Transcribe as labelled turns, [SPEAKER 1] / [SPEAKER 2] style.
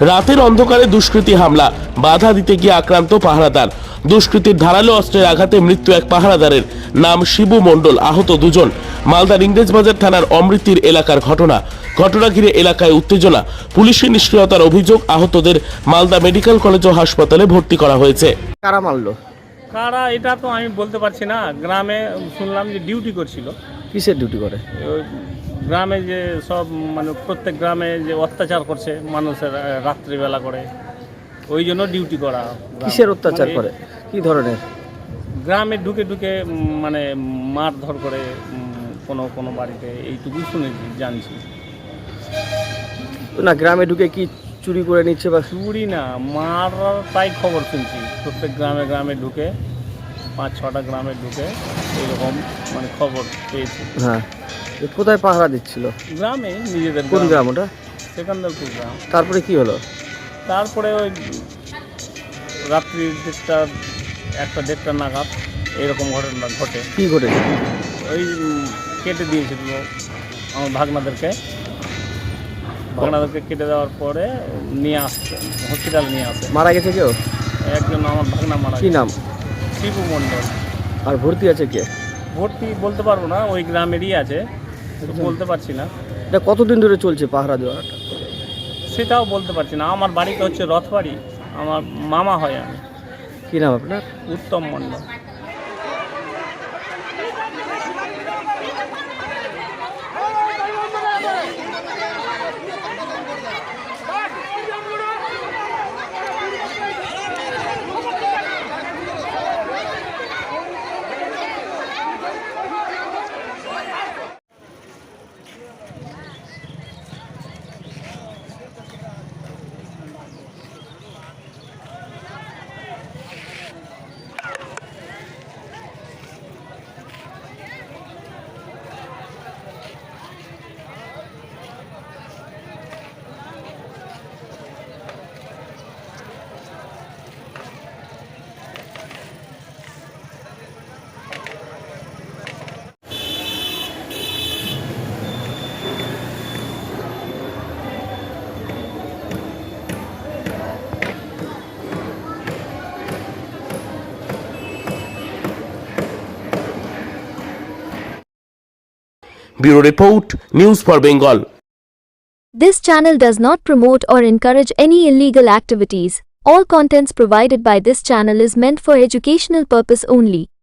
[SPEAKER 1] রাতের অন্ধকারে দুষ্কৃতী হামলা, বাধা দিতে গিয়ে আক্রান্ত পাহারাদার। দুষ্কৃতীর ধারালো অস্ত্রের আঘাতে মৃত্যু এক পাহারাদারের, নাম শিবু মণ্ডল, আহত দুজন। মালদার ইংরেজবাজার থানার অমৃতির এলাকার ঘটনা ঘিরে এলাকায় উত্তেজনা। পুলিশের নিষ্ক্রিয়তার অভিযোগ, আহতদের মালদা মেডিকেল কলেজ ও হাসপাতালে ভর্তি করা হয়েছে।
[SPEAKER 2] কারা মারলো?
[SPEAKER 3] কারা এটা তো আমি বলতে পারছি না। গ্রামে শুনলাম যে ডিউটি করছিল।
[SPEAKER 2] কিসের ডিউটি করে?
[SPEAKER 3] ওই গ্রামে যে সব মানে প্রত্যেক গ্রামে যে অত্যাচার করছে মানুষের রাত্রিবেলা করে, ওই জন্য ডিউটি করা।
[SPEAKER 2] কিসের অত্যাচার করে? কি ধরনের?
[SPEAKER 3] গ্রামে ঢুকে ঢুকে মানে মারধর করে কোনো কোনো বাড়িতে, এইটুকুই শুনেছি, জানছি
[SPEAKER 2] না। গ্রামে ঢুকে কি চুরি করে নিচ্ছে বা?
[SPEAKER 3] চুরি না, মার, তাই খবর শুনছি। প্রত্যেক গ্রামে গ্রামে ঢুকে, 5-6টা গ্রামে ঢুকে এইরকম মানে খবর পেয়েছি।
[SPEAKER 2] হ্যাঁ, কোথায় পাহারা দিচ্ছিল?
[SPEAKER 3] গ্রামে, নিজেদের।
[SPEAKER 2] কোন গ্রাম ওটা?
[SPEAKER 3] সেকেন্দারপুর গ্রাম।
[SPEAKER 2] তারপরে কি হলো?
[SPEAKER 3] তারপরে ওই রাত্রি 1টা-1:30 নাগাদ এরকম ঘটনা ঘটে।
[SPEAKER 2] কি ঘটেছে?
[SPEAKER 3] ওই কেটে দিয়েছিল আমার ভাগনাদেরকে কেটে দেওয়ার পরে নিয়ে আসছে, হসপিটাল নিয়ে আসে।
[SPEAKER 2] মারা গেছে কেউ?
[SPEAKER 3] একজন আমার ভাগনা মারা
[SPEAKER 2] কি
[SPEAKER 3] গেছে।
[SPEAKER 2] নাম?
[SPEAKER 3] শিবু মণ্ডল।
[SPEAKER 2] আর ভর্তি আছে কে?
[SPEAKER 3] ভর্তি বলতে পারবো না, ওই গ্রামেরই আছে, বলতে পারছি না।
[SPEAKER 2] এটা কতদিন ধরে চলছে পাহারা দেওয়াটা?
[SPEAKER 3] সেটাও বলতে পারছি না। আমার বাড়িতে হচ্ছে রথবাড়ি, আমার মামা হয় আমি।
[SPEAKER 2] কি নাম আপনার?
[SPEAKER 3] উত্তম মণ্ডল।
[SPEAKER 1] Bureau Report, News for Bengal.
[SPEAKER 4] This channel does not promote or encourage any illegal activities. All contents provided by this channel is meant for educational purpose only.